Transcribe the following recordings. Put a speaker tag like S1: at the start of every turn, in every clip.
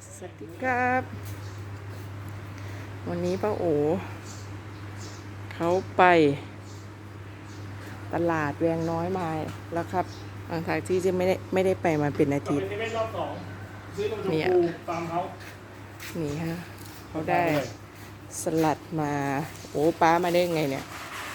S1: สวัสดีครับ วันนี้ป้าโอเขาไปตลาดแวงน้อยมาแล้วครับหลังจากที่จะไม่ได้ไปมาเป็นอาทิตย์
S2: เป็นรอบสองซื้อนมชม
S1: เนี่ย
S2: พูตามเขา
S1: นี่ฮะเขาได้สลัดมาโอ้ป้ามาได้ไงเนี่ย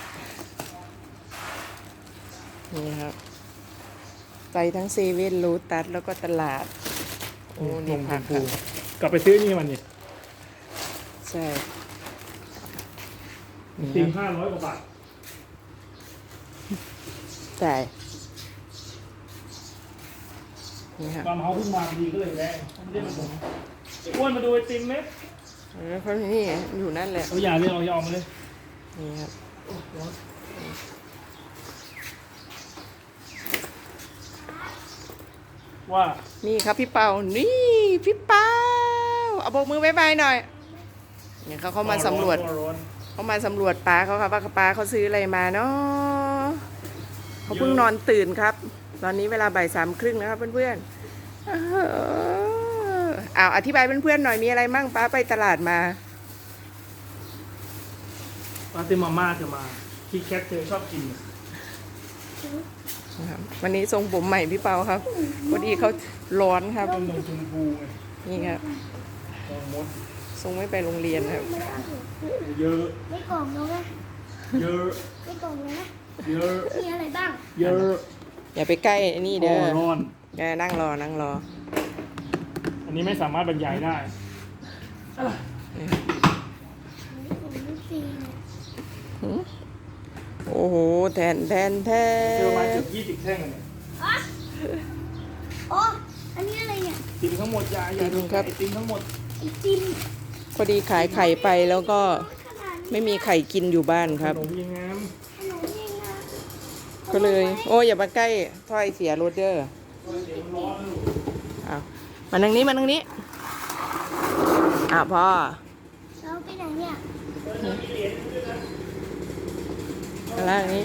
S1: นี่ครับไปทั้งเซเว่นรูตัสแล้วก็ตลาดโอ้นี่
S2: นมช
S1: ผัก
S2: ม
S1: ค
S2: พู
S1: รับ
S2: กลับไปซื้อนี่มันนี่
S1: ใช่นี่
S2: ติ่ง
S1: ครับ
S2: 500 กว่าบาท
S1: ใช่นี่ครับ
S2: ตามเขาเพิ่งมาพอดีก็เลยแวะไม่ได้มาส่งไอ้อ้วนมาดูไอติมไหม
S1: เขานี่อยู่นั่นแหละ
S2: เอาอย่าเลยเอายอมมาเลย
S1: นี่ครับ
S2: ว่า
S1: นี่ครับพี่เปานี่พี่เปาเอาโบกมือบายบายหน่อยเนี่ยเขามาสำรวจ
S2: ร้อน
S1: เขามาสำรวจปลาเขาครับว่าปลาเขาซื้ออะไรมาเนาะเขาเพิ่งนอนตื่นครับ ตอนนี้เวลาบ่าย3:30นะครับเพื่อนๆอธิบายเพื่อนๆหน่อยมีอะไรมั่งป้าไปตลาดมา
S2: ปาติมาม่าจะมาคีแคทเธอชอบกิน
S1: นะครับวันนี้ทรงผมใหม่พี่เปาครับพอดีเขาร้อนครับ
S2: ต้นนมชมพูไง
S1: นี่ครับ
S2: ต้นมด
S1: ทรงไม่ไปโรงเรียนครับ
S2: เยอะ
S3: ไม่กล่องแล้วนะ
S2: เยอะ
S3: ไม่กล่องแล้วนะ
S2: เยอะ
S3: มีอะไรบ้าง
S2: เยอะ
S1: อย่าไปใกล้ไอ้นี่เด้อ
S2: ร้อน
S1: แกนั่งรอ
S2: อันนี้ไม่สามารถบรรยายได้
S3: มีของลูกซีเนี่ย
S1: โอ้โหแทน
S2: เจอมาเกือบ20 แท่งเลยเนี่ย
S3: อ๋ออ๋ออันนี้อะไรเนี่ย
S2: ติมทั้งหมดยายาดูไอติมทั้งหมด
S3: ไอจิม
S1: พอดีขายไข่ไปแล้วก็
S3: ขนาดนี้
S1: ไม่มีไข่กินอยู่บ้านครับ
S2: ขนมยังงาม
S3: ขนมยังนะ
S1: ก็เลย โอ้อย่ามาใกล้ถ้อยเสียรถเด้อ
S2: เดี๋ยวมันร้อนลูก
S1: อ้าวมาทางนี้พ่อ
S3: เราไปไหนเนี่ย
S1: มาล่างนี้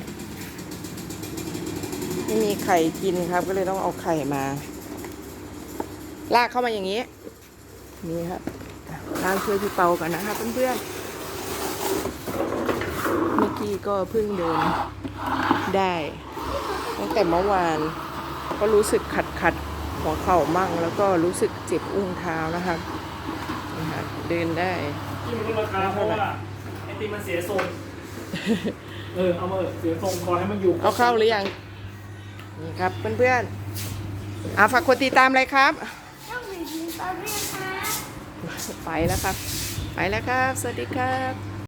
S1: ไม่มีไข่กินครับ ก็เลยต้องเอาไข่มา ลากเข้ามาอย่างนี้ นี่ครับลากช่วยพี่เปากันนะครับเพื่อนๆเมื่อกี้ก็เพิ่งเดินได้ตั้งแต่เมื่อวานก็รู้สึกขัดหัวเข่ามั่ง แล้วก็รู้สึกเจ็บอุ้งเท้านะครับนี่ครับเดินได้
S2: ที่มันลดราคาเพราะว่าไอติมมันเสียทรงเอามาเสียทรงขอให้มันอยู่
S1: เอาเข้าหรือยัง นี่ครับเพื่อนๆฝากกดติดตามเลยครับ
S3: ต้องมีดีตอนเรียนนะ
S1: ไปแล้วครับ สวัสดีครับ